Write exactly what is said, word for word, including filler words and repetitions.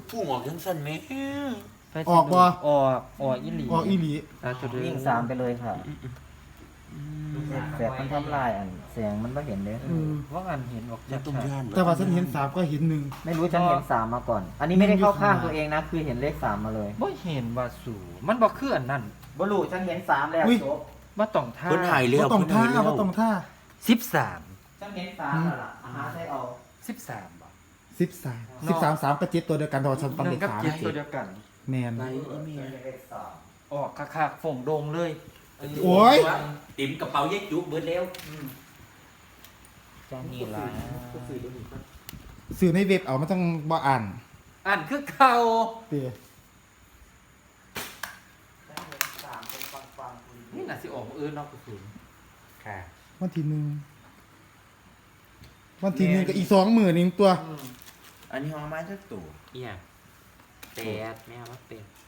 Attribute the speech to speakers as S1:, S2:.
S1: พุ่งออกจังสั่นแม่
S2: ออกบ่
S3: ออกออกอีหลี
S2: ออกอีหลี
S3: ตาจุด
S4: วิ่งสามไปเลยค่ะแสบมันทำลายอันเสียงมันก็เห็นเลย
S2: เออ
S3: ว่างันเห็นบอก
S1: จะตุ้มย่าน
S2: แต่ว่าฉันเห็นสามก็เห็นหนึ่ง
S4: ไม่รู้ฉันเห็นสามมาก่อน อันนี้ไม่ได้เข้าข้างตัวเองนะ คือเห็นเลขสามมาเลย
S3: บ่เห็นว่าสูมันบอกคืออันนั้น
S4: บลูฉันเห็นสามแล้วจบ
S3: มาต้องท่า
S1: เพิ่นหายแล้
S2: ว่าว ต้องท่า
S1: เพิ่นหยแล้ว
S2: ว่าต้องท่า
S3: สิบสาม
S4: ฉันเห็นสามแล้วล่ะอาหารใช้เอา
S3: สิบสามบ่
S2: สิบสามสิบสามสามกระจิตตัวเดียวกันแต่ว่าฉันฟัง
S3: ห
S2: เล
S3: นึ่
S2: ข
S3: งกับ
S2: สาม
S3: เจ็ดตัวเดียวกัน
S2: แมน
S1: ไหนอีเมีย
S4: เลขสาม
S3: ออกคักๆฝงโดงเลย
S2: โอ้ย
S1: ติ๋มกระเป๋าเย็ดจุกเบิดแล้ว
S4: เจ้านี่ละ
S2: สื่อในเว็บเอามันต้องบ่อ่าน
S3: อ่านคือเก่า
S2: เตี๋ย
S4: ฉันเห็นสามเป็นฟังฟังคุย
S3: นี่น่ะสิออกอื่นเนอกกระสุน
S1: ค่ะ
S2: วันที่หนึ่งวันที่หนึ่งกับอีกสองหมื่นนึงตัว
S1: อันนี้ห้องไม้จักตัว
S3: เอียแปดแม่ว่าเป็ด